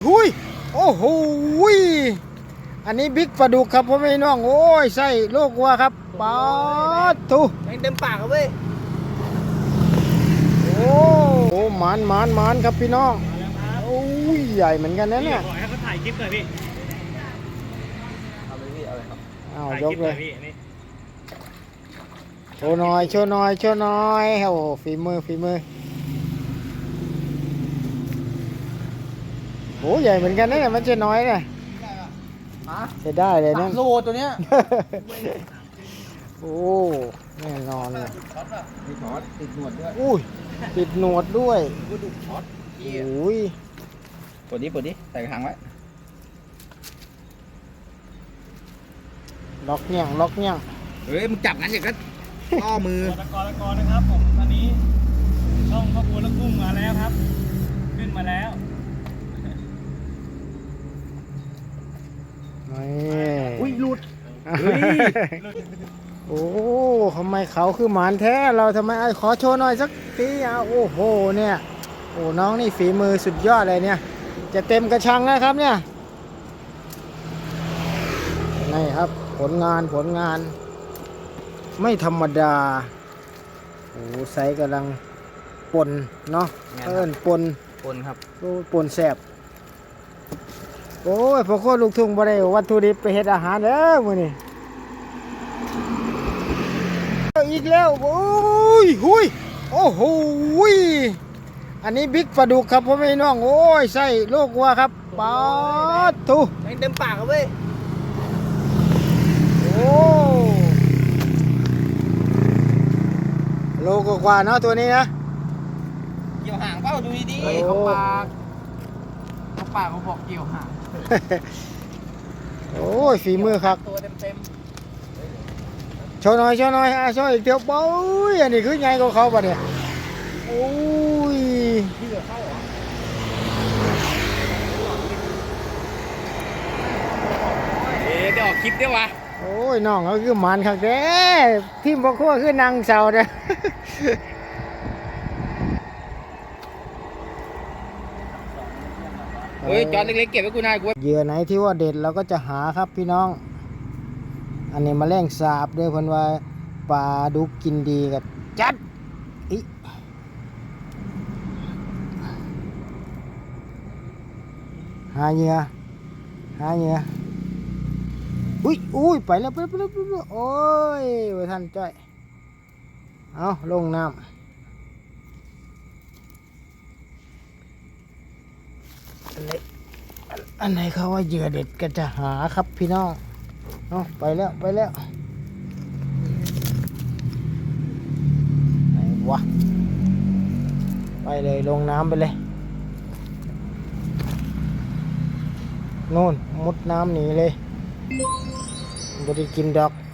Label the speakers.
Speaker 1: หุยโอ้โหยอันนี้บิ๊กปลาดุกครับพ่อแม่น้องโอ้ยไส้โลกวัวครับปาทุ
Speaker 2: แม่งเต็มปากครับเว้ย
Speaker 1: โอ้โหหมานครับพี่น้องโอ้ยใหญ่เหมือนกันนะเนี่ย
Speaker 3: ขอให้เขาถ่ายคลิปหน่อยพี่
Speaker 2: เอาเลยพี่เอาเลยครับ
Speaker 1: อ้าวย
Speaker 3: ถ่ายคลิ
Speaker 1: ก
Speaker 3: ปห
Speaker 1: เล
Speaker 3: น่อย ยพี่นี่
Speaker 1: โชว์หน่อยโอ้โหฝีมือโอ้ใหญ่เหมือนกันนะเนี่ยมันจะน้อยเนี่ยจะได้เลยนะ
Speaker 2: 3 โลตัวเนี้ย
Speaker 1: โอ้แน่นอนเลย
Speaker 2: มีช็อตติดหนวดด้วย
Speaker 1: อุ้ยติดหนวดด้วย
Speaker 2: กูดูช็อต
Speaker 1: โอ้ย
Speaker 2: ปวดดิใส่กระถางไว้
Speaker 1: ล็อกเนี่ยง
Speaker 2: เฮ้ยมึงจับงั้นอย่างก็ล่อมือ
Speaker 3: ตะกอนนะครับผมตอนนี้ช่องพ่อบัวและกุ้งมาแล้วครับ ขึ้นมาแล้ว
Speaker 1: นี่
Speaker 2: อุ้ยหลุด
Speaker 1: เฮ้ยโอ้ทำไมเขาคือหมานแท้เราทำไมไอ้ขอโชว์หน่อยสักทีอ่ะโอ้โหเนี่ยโอ้น้องนี่ฝีมือสุดยอดเลยเนี่ยจะเต็มกระชังนะครับเนี่ยนี่ครับผลงานไม่ธรรมดาโอ้ไซส์กำลังปนเนาะปน
Speaker 2: คนครับ
Speaker 1: โอ้ปนแสบโอ้ยพอโคตรลูกทุ่งบ่ได้วัตถุดิบไปเฮ็ดอาหารเด้อมื้อนี้อีกแล้วโอ้ยหุยโอ้โหยอันนี้บิ๊กปลาดุกครับพ่อแม่น้องโอ้ยไส้โลกวัวครับปาทุ
Speaker 2: แม่งเต็มปากครับเว้ย
Speaker 1: โอ้โลกว่าเนาะตัวนี้นะ
Speaker 2: เกี่ยวหางเปล่าดูดี
Speaker 1: โอ้
Speaker 2: ๆเขาปากเขาบอกเกี่ยวหาง
Speaker 1: โอ้ยฝีมือครับ
Speaker 2: ตัวเต็ม
Speaker 1: โชว์หน่อยอ่ะโชว์อีกเดียวโอ้ยอันนี้คือไงกับเขาปะเนี่ยโอ้ย
Speaker 2: พี่เหลือเข้าเหรอเดี๋ยวออกคลิปได้วะ
Speaker 1: โอ้ยน้องเขาคือหมันครับเด้ทีมบ่คั่วคือนางเสาเด้อ
Speaker 2: เฮ้ยจอนเล็กๆเก็บไว้กูนายกู
Speaker 1: เหยื่อไหนที่ว่าเด็ดเราก็จะหาครับพี่น้อง อันนี้แมลงสาบด้วยเพิ่นว่าปลาดุกกินดีกับจัดอิหาเหยื่ออุ้ยไปแล้วโอ้ยไว้ท่านจ้อยเอาลงน้ำอันไหนเขาว่าเหยื่อเด็ดก็จะหาครับพี่น้องเอาไปแล้วไหนวะไปเลยลงน้ำไปเลยนู่นมุดน้ำหนีเลยไม่ได้กินดอก